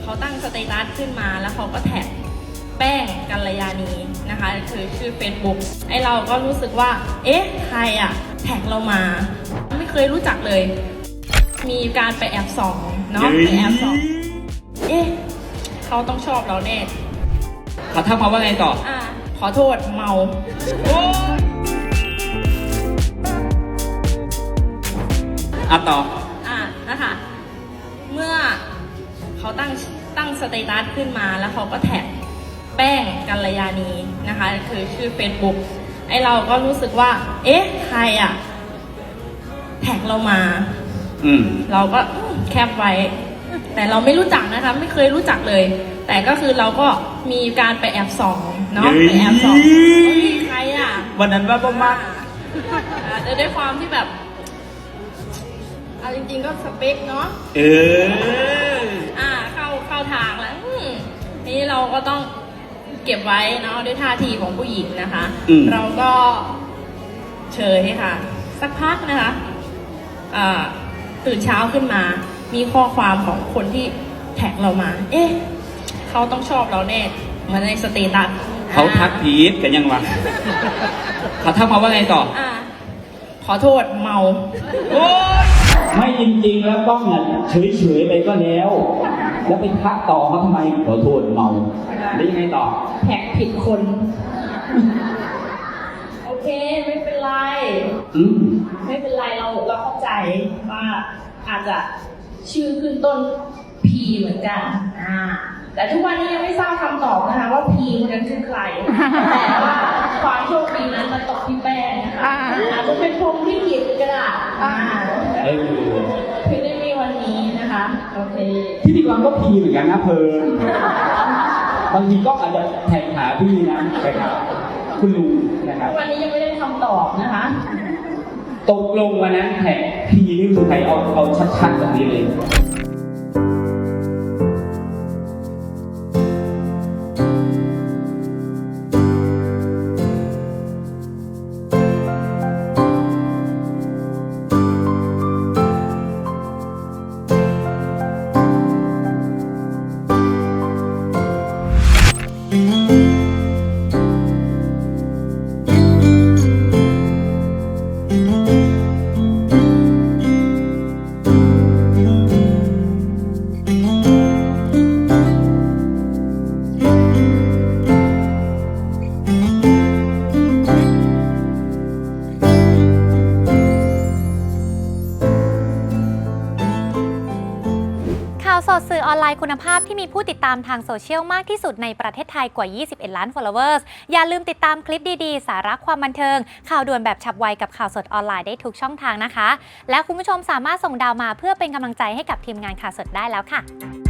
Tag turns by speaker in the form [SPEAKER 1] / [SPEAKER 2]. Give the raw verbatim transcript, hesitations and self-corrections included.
[SPEAKER 1] เขาตั้งสเตตัสขึ้นมาแล้วเขาก็แท็กแป้งกัลยาณีนะคะคือชื่อ Facebook ไอเราก็รู้สึกว่าเอ๊ะใครอะแท็กเรามาไม่เคยรู้จักเลยมีการไปแอบส่องเนาะไปแอบส่องเอ๊ะเขาต้องชอบเราแน่
[SPEAKER 2] เขาทักมาว่าไงต่อ
[SPEAKER 1] อ่าขอโทษเมา
[SPEAKER 2] อ่ะต่อ
[SPEAKER 1] อ่ะนะคะเมื่อเขาตั้งตั้งสเตตัสขึ้นมาแล้วเขาก็แท็กแป้งกัลยาณีนะคะคือชื่อ Facebook ไอเราก็รู้สึกว่าเอ๊ะใครอะแท็กเรามา
[SPEAKER 2] อืม
[SPEAKER 1] เราก็แคปไว้แต่เราไม่รู้จักนะคะไม่เคยรู้จักเลยแต่ก็คือเราก็มีการไปแอบส่องเนาะไปแอบส่องใครอะ
[SPEAKER 2] วันนั้นว่าบ้ามาก
[SPEAKER 1] ด้วยความที่แบบเอาจริงๆก็สเปคเนาะ
[SPEAKER 2] เออ
[SPEAKER 1] อ่าเข้าเข้าทางแล้วนี่เราก็ต้องเก็บไว้เนาะด้วยท่าทีของผู้หญิงนะคะเราก็เฉยค่ะสักพักนะคะอ่าตื่นเช้าขึ้นมามีข้อความของคนที่แท็กเรามาเอ๊ะเขาต้องชอบเราแน่มาในสเตตัส
[SPEAKER 2] เขาทักพีทกันยังวะเขาทักมาว่าไงต่อ
[SPEAKER 1] อ่าขอโทษเมา
[SPEAKER 2] โอ้ยไม่จริงๆแล้วต้องเฉยๆไปก็แล้วแล้วไปทักต่อเขาทำไมขอโทษเมาแล้วยังไงต่อ
[SPEAKER 1] แท็กผิดคนโอเคไม่เป็นไร
[SPEAKER 2] อืม
[SPEAKER 1] ไม่เป็นไรเราเราเข้าใจว่าอาจจะชื่อขึ้นต้น P เหมือนกันอ่าแต่ทุกวันนี้ยังไม่ทราบคำตอบนะคะว่า P คนนั้นคือใครแต่ว่าความโชคดีนั้นมันตกที่แป้งนะคะอาจจะเป็นพรหมลิขิตก็ได้คือได้มีวันนี้นะคะโอเค
[SPEAKER 2] พิธีกรก็ P เหมือนกันนะเพลินบางทีก็อาจจะแท็กหาพี่นะไปหาคุณลุงนะครับ
[SPEAKER 1] วันนี้ยังไม่ได้คำตอบนะคะ
[SPEAKER 2] ตกลงวันนั้นแท็กพี่นี่คือใครเอาเอาชัดๆแบบนี้เลย
[SPEAKER 3] ข่าวสดสื่อออนไลน์คุณภาพที่มีผู้ติดตามทางโซเชียลมากที่สุดในประเทศไทยกว่ายี่สิบเอ็ดล้าน followers อย่าลืมติดตามคลิปดีๆสาระความบันเทิงข่าวด่วนแบบฉับไวกับข่าวสดออนไลน์ได้ทุกช่องทางนะคะและคุณผู้ชมสามารถส่งดาวมาเพื่อเป็นกำลังใจให้กับทีมงานข่าวสดได้แล้วค่ะ